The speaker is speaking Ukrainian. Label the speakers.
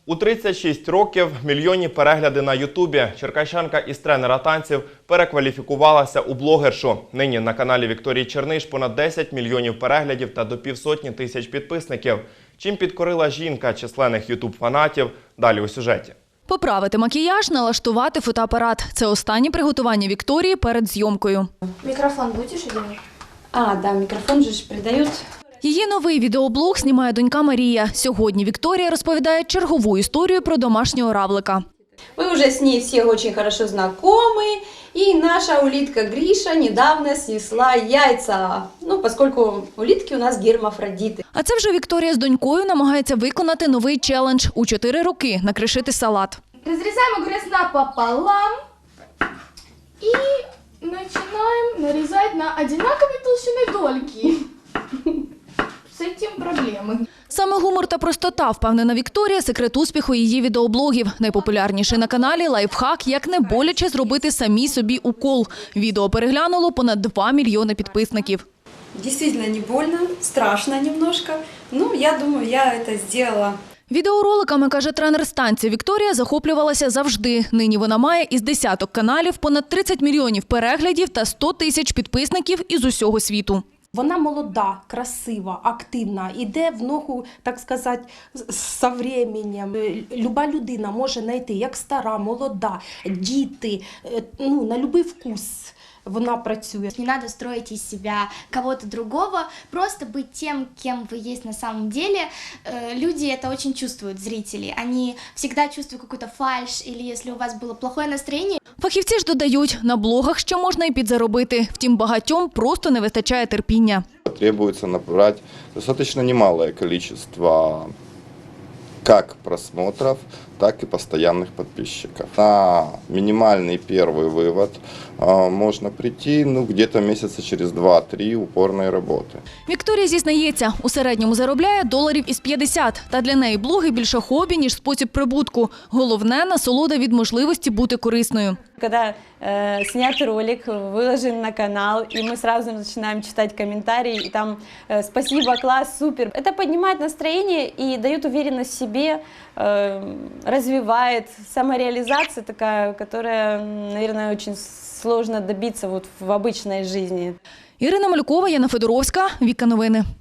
Speaker 1: У 36 років мільйонні перегляди на Ютубі. Черкащанка із тренера танців перекваліфікувалася у блогершу. Нині на каналі Вікторії Черниш понад 10 мільйонів переглядів та до півсотні тисяч підписників. Чим підкорила жінка численних ютуб-фанатів? Далі у сюжеті.
Speaker 2: Поправити макіяж, налаштувати фотоапарат – це останні приготування Вікторії перед зйомкою.
Speaker 3: Микрофон будешь одевать?
Speaker 4: Да, микрофон же придают.
Speaker 2: Її новий відеоблог знімає донька Марія. Сьогодні Вікторія розповідає чергову історію про домашнього равлика.
Speaker 4: Мы уже с ней все очень хорошо знакомы, и наша улитка Гриша недавно снесла яйца, поскольку улитки у нас гермафродиты.
Speaker 2: А це вже Вікторія з донькою намагається виконати новий челендж – у 4 роки накришити салат.
Speaker 3: Разрезаем огурец напополам и начинаем нарезать на одинаковой толщины дольки. С этим проблемы.
Speaker 2: Саме гумор та простота, впевнена Вікторія, секрет успіху її відеоблогів. Найпопулярніший на каналі лайфхак, як не боляче зробити самій собі укол. Відео переглянуло понад 2 мільйони підписників.
Speaker 4: Действительно не больно, страшно немножко, я думаю, я это сделала.
Speaker 2: Відеороликами, каже тренер з танців Вікторія, захоплювалася завжди. Нині вона має із десяток каналів, понад 30 мільйонів переглядів та 100 тисяч підписників із усього світу.
Speaker 5: Вона молода, красива, активна, іде в ногу, так сказати, з часом. Люба людина може знайти, як стара, молода, діти, на будь-який вкус вона працює.
Speaker 3: Не надо строить из себя кого-то другого, просто быть тем, кем вы есть на самом деле. Люди это очень чувствуют, зрители. Они всегда чувствуют какую-то фальшь, или если у вас было плохое настроение.
Speaker 2: Фахівці ж додають, на блогах ще можна і підзаробити. Втім, багатьом просто не вистачає терпіння.
Speaker 6: Требуется набрать достаточно немалое количество как просмотров, так и постоянных подписчиков. На минимальный первый вывод можно прийти где-то месяца через 2-3 упорной работы.
Speaker 2: Вікторія зізнається, у середньому заробляє доларів із 50. Та для неї блоги більше хобі, ніж спосіб прибутку. Головне – насолода від можливості бути корисною.
Speaker 7: Когда снят ролик, выложен на канал, и мы сразу начинаем читать комментарии, и там «спасибо, класс, супер». Это поднимает настроение и дает уверенность в себе, развивает самореализация такая, которая, наверное, очень сложно добиться в обычной жизни.
Speaker 2: Ірина Малюкова, Яна Федоровська, Віка Новини.